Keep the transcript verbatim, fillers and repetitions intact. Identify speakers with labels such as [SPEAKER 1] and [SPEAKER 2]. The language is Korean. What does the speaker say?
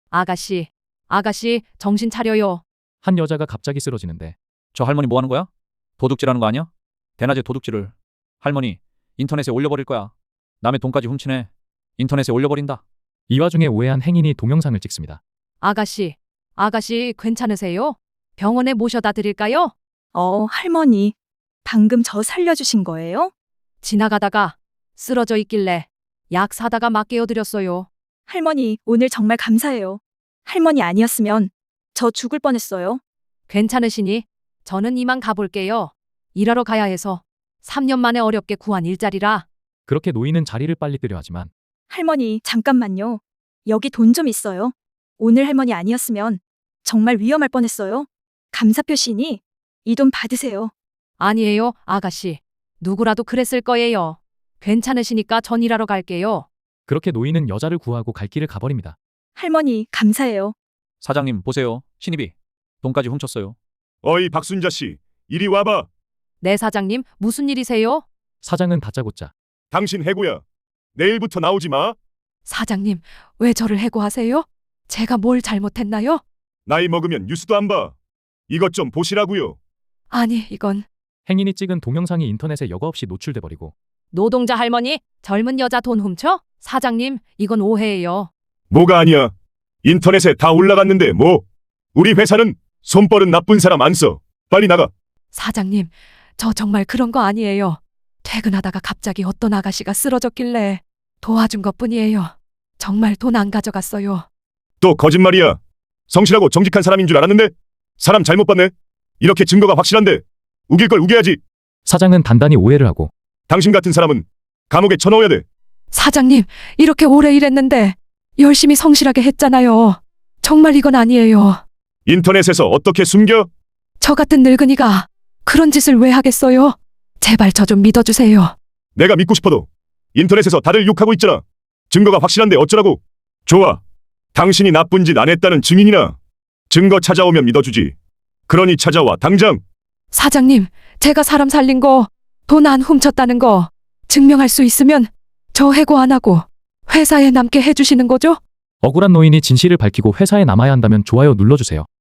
[SPEAKER 1] 아가씨, 아가씨, 정신 차려요.
[SPEAKER 2] 한 여자가 갑자기 쓰러지는데
[SPEAKER 3] 저 할머니 뭐 하는 거야? 도둑질하는 거 아니야? 대낮에 도둑질을. 할머니, 인터넷에 올려버릴 거야. 남의 돈까지 훔치네. 인터넷에 올려버린다.
[SPEAKER 2] 이 와중에 오해한 행인이 동영상을 찍습니다.
[SPEAKER 1] 아가씨, 아가씨, 괜찮으세요? 병원에 모셔다 드릴까요?
[SPEAKER 4] 어, 할머니. 방금 저 살려주신 거예요?
[SPEAKER 1] 지나가다가 쓰러져 있길래 약 사다가 막 깨워드렸어요.
[SPEAKER 4] 할머니, 오늘 정말 감사해요. 할머니 아니었으면 저 죽을 뻔했어요.
[SPEAKER 1] 괜찮으시니? 저는 이만 가볼게요. 일하러 가야 해서 삼 년 만에 어렵게 구한 일자리라.
[SPEAKER 2] 그렇게 노인은 자리를 빨리 뜨려 하지만
[SPEAKER 4] 할머니, 잠깐만요. 여기 돈 좀 있어요. 오늘 할머니 아니었으면 정말 위험할 뻔했어요. 감사 표시니 이 돈 받으세요.
[SPEAKER 1] 아니에요, 아가씨. 누구라도 그랬을 거예요. 괜찮으시니까 전 일하러 갈게요.
[SPEAKER 2] 그렇게 노인은 여자를 구하고 갈 길을 가버립니다.
[SPEAKER 4] 할머니, 감사해요.
[SPEAKER 3] 사장님, 보세요. 신입이 돈까지 훔쳤어요.
[SPEAKER 5] 어이 박순자 씨, 이리 와봐.
[SPEAKER 1] 네, 사장님, 무슨 일이세요?
[SPEAKER 2] 사장은 다짜고짜
[SPEAKER 5] 당신 해고야. 내일부터 나오지 마.
[SPEAKER 1] 사장님, 왜 저를 해고하세요? 제가 뭘 잘못했나요?
[SPEAKER 5] 나이 먹으면 뉴스도 안 봐. 이것 좀 보시라고요.
[SPEAKER 1] 아니, 이건
[SPEAKER 2] 행인이 찍은 동영상이 인터넷에 여과 없이 노출돼 버리고
[SPEAKER 1] 노동자 할머니, 젊은 여자 돈 훔쳐? 사장님, 이건 오해예요.
[SPEAKER 5] 뭐가 아니야. 인터넷에 다 올라갔는데 뭐. 우리 회사는 손버릇 나쁜 사람 안 써. 빨리 나가.
[SPEAKER 1] 사장님, 저 정말 그런 거 아니에요. 퇴근하다가 갑자기 어떤 아가씨가 쓰러졌길래 도와준 것뿐이에요. 정말 돈 안 가져갔어요.
[SPEAKER 5] 또 거짓말이야. 성실하고 정직한 사람인 줄 알았는데 사람 잘못 봤네. 이렇게 증거가 확실한데 우길 걸 우겨야지.
[SPEAKER 2] 사장은 단단히 오해를 하고
[SPEAKER 5] 당신 같은 사람은 감옥에 쳐넣어야 돼.
[SPEAKER 1] 사장님, 이렇게 오래 일했는데 열심히 성실하게 했잖아요. 정말 이건 아니에요.
[SPEAKER 5] 인터넷에서 어떻게 숨겨?
[SPEAKER 1] 저 같은 늙은이가 그런 짓을 왜 하겠어요? 제발 저 좀 믿어주세요.
[SPEAKER 5] 내가 믿고 싶어도 인터넷에서 다들 욕하고 있잖아. 증거가 확실한데 어쩌라고. 좋아. 당신이 나쁜 짓 안 했다는 증인이나 증거 찾아오면 믿어주지. 그러니 찾아와 당장.
[SPEAKER 1] 사장님, 제가 사람 살린 거, 돈 안 훔쳤다는 거 증명할 수 있으면 저 해고 안 하고 회사에 남게 해주시는 거죠?
[SPEAKER 2] 억울한 노인이 진실을 밝히고 회사에 남아야 한다면 좋아요 눌러주세요.